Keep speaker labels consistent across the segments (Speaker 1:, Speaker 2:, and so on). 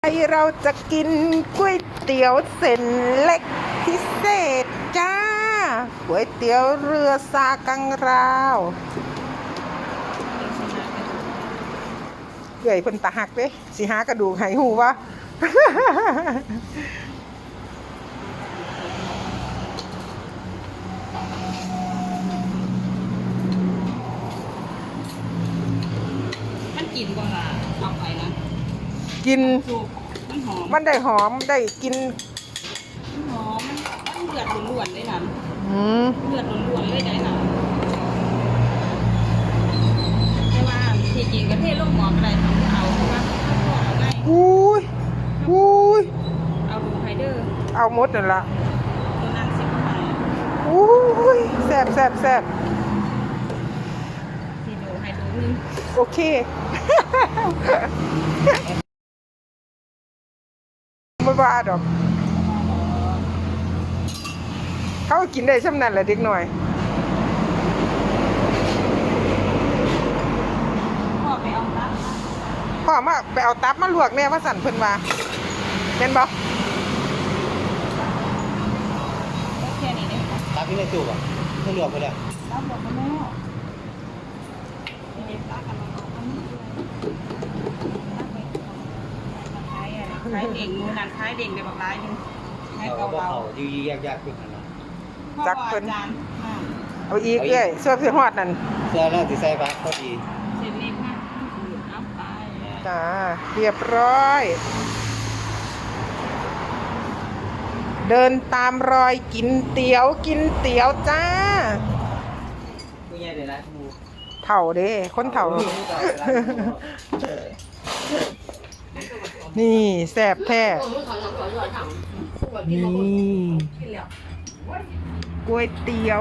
Speaker 1: เราจะกินก๋วยเตี๋ยวเส้นเล็กพิเศษจ้าก๋วยเตี๋ยวเรือซากังราวเกยเพิ่นตาหักเด้สิหากระดูกไหหูวะ
Speaker 2: มันกินบ่ล่ะเอาไปนะ
Speaker 1: กิน
Speaker 2: สุกมันหอม
Speaker 1: มันได้หอมได้กิน
Speaker 2: มันหอมมันเลือดล้วนๆเลยนะเลือดล้วนๆเลยได้นะแต่ว่าที่จริงก็เทลงหม้อก็ได้ทำเอาเพราะว่าเอาง่าย
Speaker 1: อุ้ย
Speaker 2: เอาดูไฮเดอร์
Speaker 1: เอาหมดนั่นละ
Speaker 2: ตัวนั้นสิบหาย
Speaker 1: อุ้ยแซ่บ
Speaker 2: ที่ดูไฮดูนึง
Speaker 1: โอเค ไม่บ้าดอกเขาก็กินได้ช่ำนั้นแหละเด็กหน่อย
Speaker 2: พ่อไปเอาตับ
Speaker 1: พ่อมาไปเอาตับมาลวกแน่ว่าสั่นเพิ่นว่าเป็นบ่
Speaker 2: แค่นี้เอง
Speaker 3: ตักที่ในตู้อ่ะไม่รวมไปเลย
Speaker 2: ตับหมดแล้วเด็กตักกันมาเอาอันนี้ขายเด่งมูนันขายเด่งไปบอกร้ายนึงให้
Speaker 3: เรา
Speaker 2: เกา
Speaker 3: ก็
Speaker 2: เรา
Speaker 3: เขายืดยากขึ้นนะ
Speaker 1: จักเพิ่นเอาอีกเอ้ยส่วนสิฮอดนั่น
Speaker 3: เสื้อแล้วที่ใส่ปะก็ดี
Speaker 2: เส้นเล็กมากเอาไป
Speaker 1: จ้าเรียบร้อย เดินตามรอยกินเตี๋ยวจ้า
Speaker 3: ผู้ใหญ่เลยนะมู
Speaker 1: เถ่าเด้คนเถ่า นี่แซ่บแท้นี่ก๋วยเตี๋ยว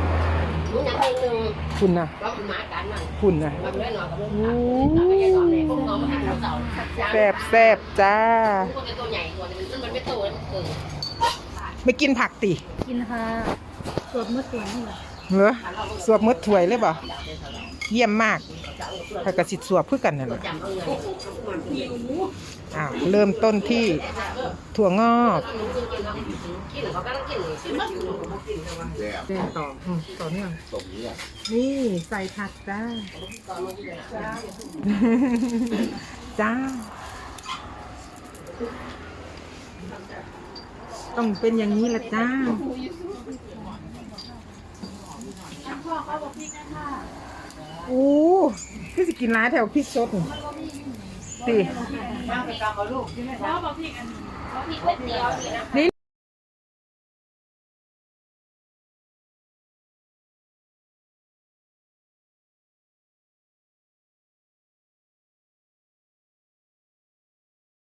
Speaker 1: คุณนะคุณนะแซ่บจ้าไม่กินผักติ
Speaker 2: กินค่ะสดเมื่อตัวนี่แหละ
Speaker 1: เหรอสวบมืดถวยเลยป่ะเยี่ยมมากถ้ากระสิสวบเพื่อกันนั่นแหละเริ่มต้นที่ถั่วงอกต่อเนื่องนี่ใส่ผักจ้าจ้าต้องเป็นอย่างนี้ละจ้าอู้พี่สิกินร้านแถวพริกสดสินี่